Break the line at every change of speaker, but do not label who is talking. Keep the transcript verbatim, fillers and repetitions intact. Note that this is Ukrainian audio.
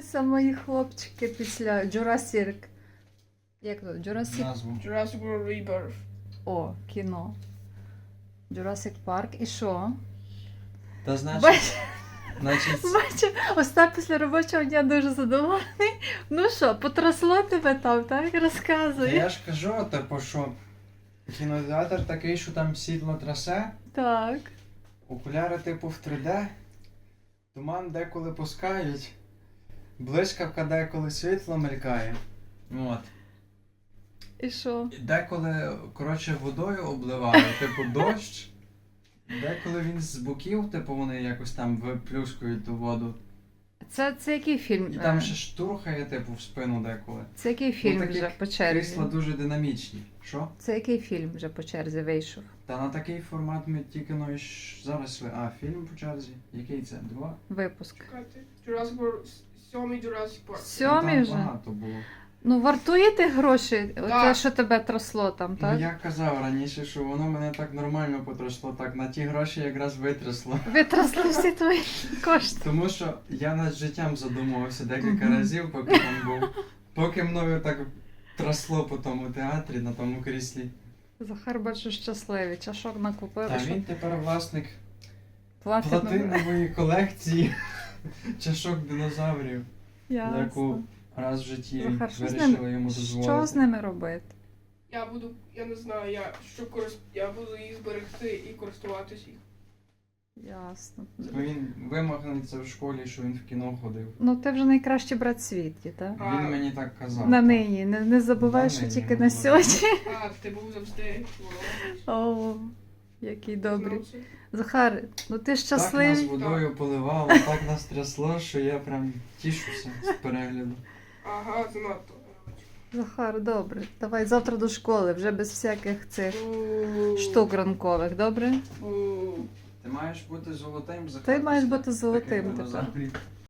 повернулися мої хлопчики після Jurassic. Як то? Jurassic?
Назву.
Jurassic World Rebirth.
О, кіно. Jurassic Park. І що?
Та значить,
Бач,
значить,
бачу, Остап після робочого дня дуже задоволений. Ну що, потросло тебе там, так?
та
Розказуй.
я ж кажу, типу, що кінотеатр такий, що там сідло трасе,
Так.
окуляри типу в три де, туман деколи пускають, блискавка деколи світло мелькає. От.
І що?
І деколи, коротше, водою обливає, типу дощ. Деколи він з боків, типу, вони якось там виплюскують ту воду.
Це, це який фільм?
І там
е,
ще штурхає, типу, в спину деколи.
Це який фільм
такі
вже по черзі?
Крісла дуже динамічні. Що?
Це який фільм вже по черзі вийшов?
Та на такий формат ми тільки ну, і ж зараз йшли. А, фільм по черзі? Який це? Два?
Випуск.
Чекайте. Jurassic World. Сьомий Jurassic Park.
Ну,
Сьомий
там
вже?
багато було.
Ну, вартує ти гроші? Те,
Так.
що тебе тросло там, так?
Ну я казав раніше, що воно мене так нормально потросло, так на ті гроші якраз витрясло.
Витросли всі твої кошти.
Тому що я над життям задумувався декілька
Мгм.
разів, поки там був. Поки мною так тросло по тому театрі, на тому кріслі.
Захар, бачу, щасливий. Чашок накупили.
Та
що
він тепер власник
платить на-
платинової колекції чашок динозаврів,
Ясно.
яку раз в житті
Захар, що з
вирішили
ними,
йому
що
дозволити.
з ними робити?
Я буду, я не знаю, я що корис... я буду їх зберегти і користуватись їх.
Ясно.
Бо він вимахнеться в школі, що він в кіно ходив.
Ну, ти вже найкращий брат в світі, так?
А.
Він мені так казав.
На нині. Не, не забувай,
На
що
нині,
тільки
ну,
на
ладно.
сьогодні.
А, ти був завжди.
О, який добрий.
Знав це?
Захар, ну ти
Так нас
щасливий.
водою поливало, так нас трясло, що я прям тішуся з перегляду.
Ага, занадто.
Захар, добре. Давай завтра до школи, вже без всяких цих
Бу.
штук ранкових, добре?
Бу.
Ти маєш бути золотим,
Ти маєш бути
Захар,
золотим
таких
тепер.
динозаврів.